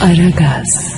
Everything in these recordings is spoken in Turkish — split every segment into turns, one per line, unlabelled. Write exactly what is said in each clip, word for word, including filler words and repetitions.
Aragaz.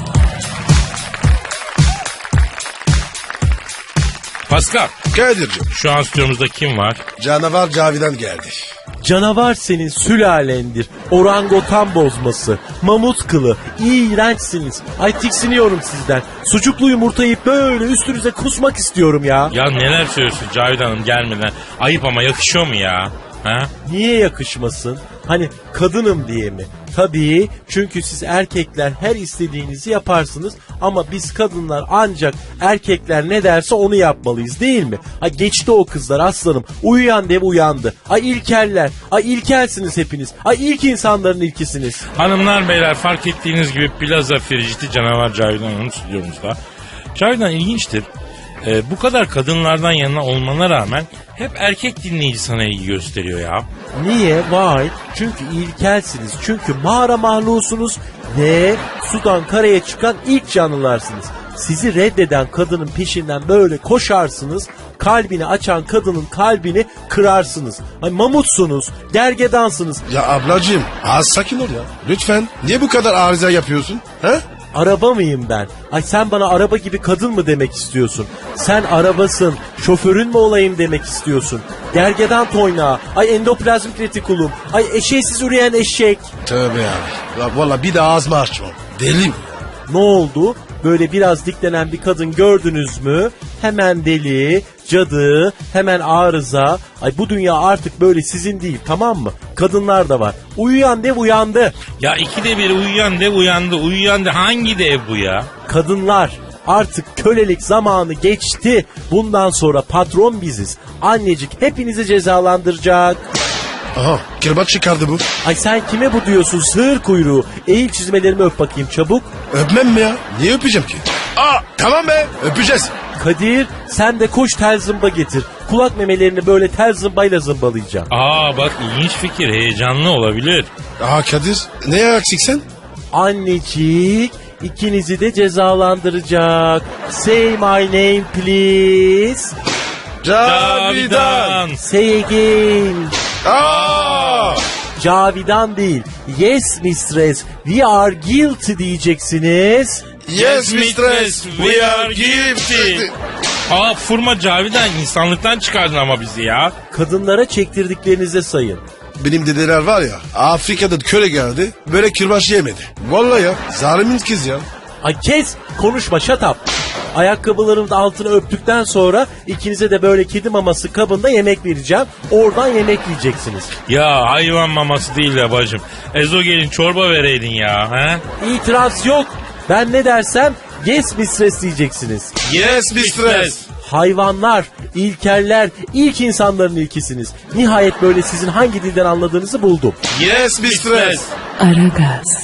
Pascal,
Kadir'cim,
şu an stüdyomuzda kim var?
canavar Cavidan geldi.
Canavar senin sülalendir. Orangotan bozması. Mamut kılı. İğrençsiniz. Ay tiksiniyorum sizden. Sucuklu yumurtayı böyle üstünüze kusmak istiyorum ya.
Ya neler söylüyorsun Cavidan Hanım gelmeden? Ayıp ama yakışıyor mu ya? Ha?
Niye yakışmasın? Hani kadınım diye mi? Tabii, çünkü siz erkekler her istediğinizi yaparsınız ama biz kadınlar ancak erkekler ne derse onu yapmalıyız, değil mi? Ha geçti o kızlar aslanım. Uyuyan dev uyandı. Ay ilkeller. Ay ilkelsiniz hepiniz. Ay ilk insanların ilkisiniz.
Hanımlar beyler, fark ettiğiniz gibi Plaza Frigid'i canavar Cavidan Hanım stüdyomuzda. Cavidan ilginçtir. Ee, bu kadar kadınlardan yana olmana rağmen hep erkek dinleyici sana ilgi gösteriyor ya.
Niye? Vay. Çünkü ilkelsiniz. Çünkü mağara mahlusunuz ve sudan karaya çıkan ilk canlılarsınız. Sizi reddeden kadının peşinden böyle koşarsınız. Kalbini açan kadının kalbini kırarsınız. Ay mamutsunuz, gergedansınız.
Ya ablacığım, az sakin ol ya. Lütfen. Niye bu kadar arıza yapıyorsun? He?
Araba mıyım ben? Ay sen bana araba gibi kadın mı demek istiyorsun? Sen arabasın, şoförün mü olayım demek istiyorsun? Gergedan toynağı, ay endoplazmik retikulum, ay eşeğsiz üreyen eşek.
Tövbe ya. Ya valla bir daha ağzımı açmam. Deli mi?
Ne oldu? Böyle biraz diklenen bir kadın gördünüz mü? Hemen deli, cadı, hemen arıza. Ay bu dünya artık böyle sizin değil, tamam mı? Kadınlar da var. Uyuyan dev uyandı.
Ya ikide bir uyuyan dev uyandı. Uyuyan dev hangi dev bu ya?
Kadınlar, artık kölelik zamanı geçti. Bundan sonra patron biziz. Annecik hepinizi cezalandıracak.
Aha, kırbaç çıkardı bu.
Ay sen kime bu diyorsun sığır kuyruğu? Eğil çizmelerimi öp bakayım çabuk.
Öpmem mi ya? Niye öpeceğim ki? Aa, tamam be, öpeceğiz.
Kadir sen de koş tel zımba getir. Kulak memelerini böyle tel zımbayla zımbalayacağım.
Aa bak, ilginç fikir, heyecanlı olabilir.
Aa Kadir, neye eksik sen?
Annecik ikinizi de cezalandıracak. Say my name please.
Cavidan.
Say again.
Aa!
Cavidan değil. Yes mistress, we are guilty diyeceksiniz.
Yes mistress, we are guilty.
Aa fırma Cavidan, insanlıktan çıkardın ama bizi ya.
Kadınlara çektirdiklerinize sayın.
Benim dedeler var ya, Afrika'da köle geldi, böyle kırbaç yemedi. Vallahi ya, zalimin kız ya.
Ay kes, konuşma, shut up. Ayakkabılarımın altını öptükten sonra ikinize de böyle kedi maması kabında yemek vereceğim. Oradan yemek yiyeceksiniz.
Ya hayvan maması değil ya bacım. Ezogelin çorba vereydin ya. He?
İtiraz yok. Ben ne dersem yes mistress diyeceksiniz.
Yes mistress.
Hayvanlar, ilkeller, ilk insanların ilkisiniz. Nihayet böyle sizin hangi dilden anladığınızı buldum.
Yes mistress.
Aragaz.